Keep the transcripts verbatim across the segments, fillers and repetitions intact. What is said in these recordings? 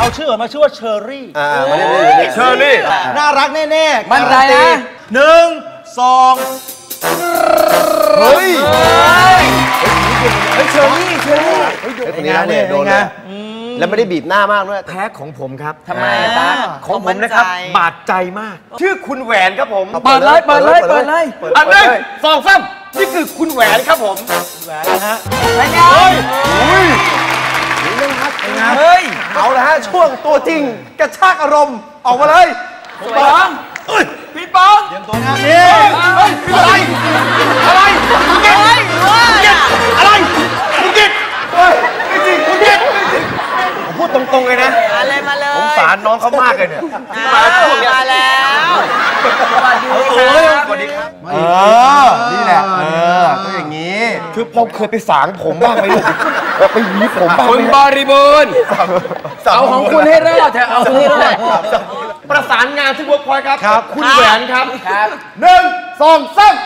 เอาชื่อมาชื่อว่าเชอรี่เชอรี่น่ารักแน่ๆมั่นใจนะหนึ่งสองเฮ้ยเชอรี่เชอรี่เป็นไงเนี่ยโดนเลยแล้วไม่ได้บีบหน้ามากด้วยแพ้ของผมครับทำไมตาของผมนะครับบาดใจมากชื่อคุณแหวนครับผมเปิดเลยเปิดเลยเปิดเลยอันหนึ่งสองสามนี่คือคุณแหวนครับผมแหวนนะฮะเป็นไงอุ้ยเฮ้ยเอาละฮะช่วงตัวจริงกระชากอารมณ์ออกมาเลยพี่ปองพี่ปองเตรียมตัวนะนี่อะไรอะไรคุณกิตอะไรคุณกิตเฮ้ยไม่จริงคุณกิตผมพูดตรงๆเลยนะมาเลยมาเลยผมสารน้องเขามากเลยเนี่ยมามาแล้วสวัสดีครับสวัสดีครับเออนี่แหละเออก็อย่างนี้คือเราเคยไปสางผมบ้างไหมลูกไปหวีผมบ้างคุณบริบูรณ์เอาของคุณให้รอดเถอะเอาให้รอดประสานงานที่เวิร์กพอยต์ครับคุณแหวนครับหนึ่งสองสาม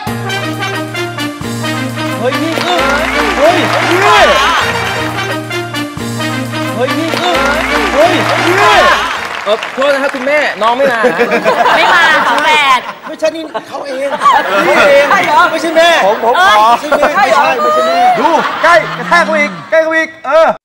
เฮ้ยนี่อึ้งเฮ้ยนี่เฮ้ยนี่อึ้งเฮ้ยนี่เออโทษนะครับคุณแม่น้องไม่มาไม่มาของแปดไม่ใช่นี่เขาเองนี่เองไม่ใช่แม่ผมผมขอไม่ใช่แม่ไม่ใช่ไม่ใช่แม่ดูใกล้กระแทกกูอีกใกล้กูอีกเออ